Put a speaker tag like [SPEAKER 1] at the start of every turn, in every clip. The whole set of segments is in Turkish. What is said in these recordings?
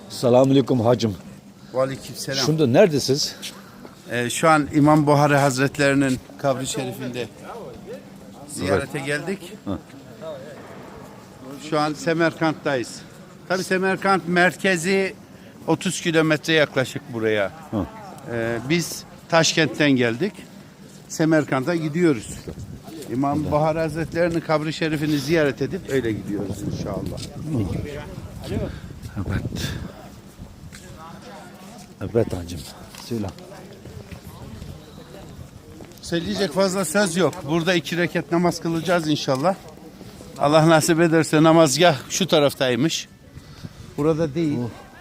[SPEAKER 1] Selamünaleyküm hacım.
[SPEAKER 2] Aleykümselam.
[SPEAKER 1] Şimdi neredesiniz?
[SPEAKER 2] Şu an İmam Buhari Hazretlerinin kabri şerifinde ziyarete geldik. Şu an Semerkant'tayız. Tabii Semerkant merkezi 30 kilometre yaklaşık buraya. Biz Taşkent'ten geldik. Semerkant'a gidiyoruz. İmam Buhari Hazretlerinin kabri şerifini ziyaret edip öyle gidiyoruz inşallah.
[SPEAKER 1] Evet. Evet hacım. Söyle.
[SPEAKER 2] Söyleyecek fazla söz yok. Burada 2 rekat namaz kılacağız inşallah. Allah nasip ederse namazgah şu taraftaymış. Burada değil.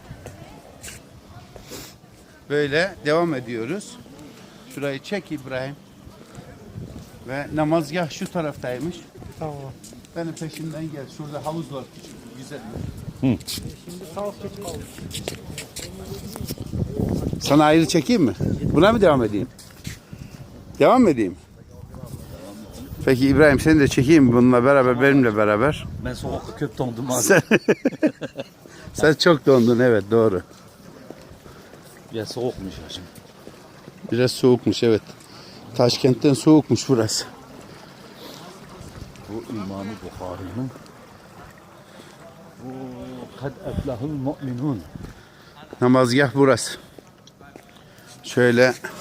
[SPEAKER 2] Böyle devam ediyoruz. Şurayı çek İbrahim. Ve namazgah şu taraftaymış.
[SPEAKER 3] Tamam.
[SPEAKER 2] Benim peşimden gel. Şurada havuz var küçük. Güzel.
[SPEAKER 3] Şimdi sağ geç kaldı.
[SPEAKER 2] Sana ayrı çekeyim mi? Buna mı devam edeyim? Devam mı edeyim? Peki İbrahim seni de çekeyim bununla beraber, benimle beraber.
[SPEAKER 1] Ben soğukta köp dondum abi.
[SPEAKER 2] Sen çok dondun, evet doğru.
[SPEAKER 1] Ya soğukmuş hacım.
[SPEAKER 2] Biraz soğukmuş, evet. Taşkent'ten soğukmuş burası.
[SPEAKER 1] Bu İmam-ı Bukhari'nin bu kad eflahul mu'minun.
[SPEAKER 2] Namazgah burası. Şöyle